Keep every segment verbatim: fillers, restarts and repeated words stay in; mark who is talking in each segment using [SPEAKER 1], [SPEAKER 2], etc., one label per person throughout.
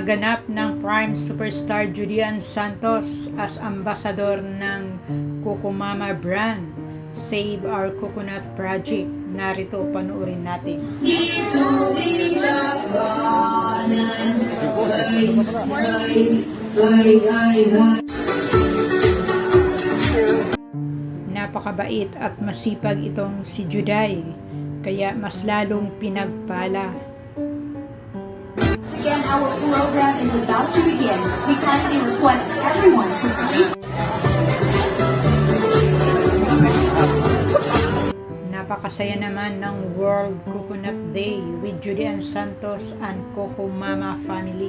[SPEAKER 1] Naganap ng Prime Superstar Julian Santos as ambassador ng Coco-Mama brand, Save Our Coconut Project. Narito, panoorin natin. Napakabait at masipag itong si Juday, kaya mas lalong pinagpala.
[SPEAKER 2] Again, our program is about to begin. We kindly request everyone to please.
[SPEAKER 1] Napakasaya naman ng World Coconut Day with Julian Santos and Coco-Mama family.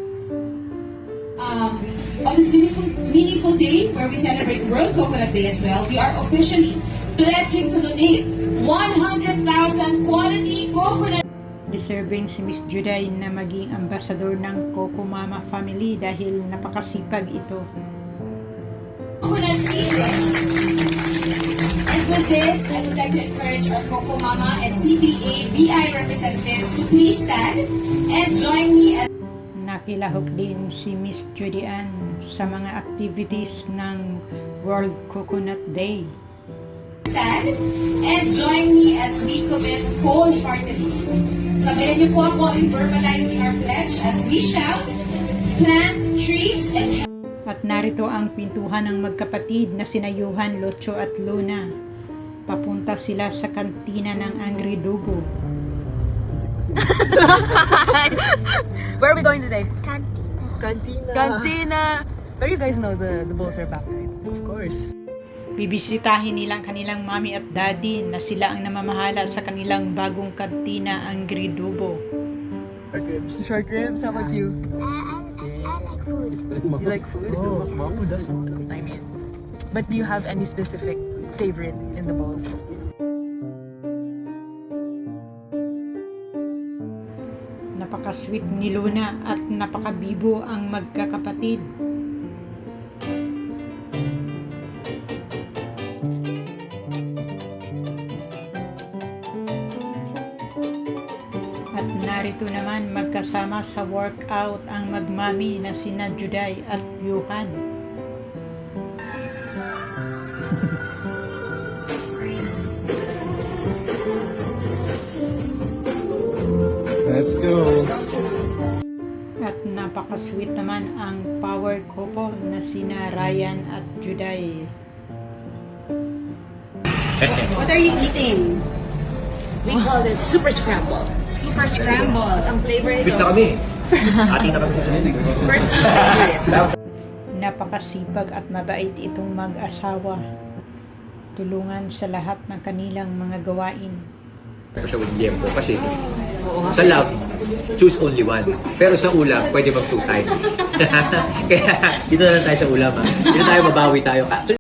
[SPEAKER 3] Um, on this meaningful, meaningful day where we celebrate World Coconut Day as well, we are officially pledging to donate one hundred thousand quality coconut.
[SPEAKER 1] Deserving si Miss Juday na maging ambassador ng Coco-Mama family dahil napakasipag ito.
[SPEAKER 3] Coconut seeds. And with this, I would like to encourage our Coco-Mama and C B A V I representatives to please stand and join me as
[SPEAKER 1] Nakilahok din si Miss Julian sa mga activities ng World Coconut Day.
[SPEAKER 3] stand and join me as we commit wholeheartedly. Sabayan niyo po ako in verbalizing our pledge as we shout, plant trees and
[SPEAKER 1] At narito ang pintuhan ng magkapatid na sina Johan, Locho at Luna. Papunta sila sa kantina ng Angry Dugo.
[SPEAKER 4] Where are we going today?
[SPEAKER 5] Cantina.
[SPEAKER 4] Cantina. But you guys know the the bowls are back, right?
[SPEAKER 5] Of course.
[SPEAKER 1] Bibisitahin nilang kanilang mami at daddy na sila ang namamahala sa kanilang bagong kantina, Angry Dugo.
[SPEAKER 5] Short ribs.
[SPEAKER 4] Short ribs. How about you? You like food?
[SPEAKER 5] Oh, wow, that's
[SPEAKER 4] I mean, but do you have any specific favorite in the bowls?
[SPEAKER 1] Napaka-sweet ni Luna at napaka-bibo ang magkakapatid. At narito naman magkasama sa workout ang magmami na sina Juday at Johan.
[SPEAKER 5] Let's go.
[SPEAKER 1] At napaka-sweet naman ang power couple na sina Ryan at Juday.
[SPEAKER 3] What are you eating? We call this super scramble. Super scramble. Ang flavor ito.
[SPEAKER 5] Bit na kami. Ati na kami.
[SPEAKER 3] Personal favorite.
[SPEAKER 1] Napakasipag at mabait itong mag-asawa. Tulungan sa lahat ng kanilang mga gawain.
[SPEAKER 6] Pero siya with liempo kasi sa love, choose only one. Pero sa ulam, pwede mag two time. Kaya dito na lang tayo sa ulam. Ha? Dito tayo, mabawi tayo.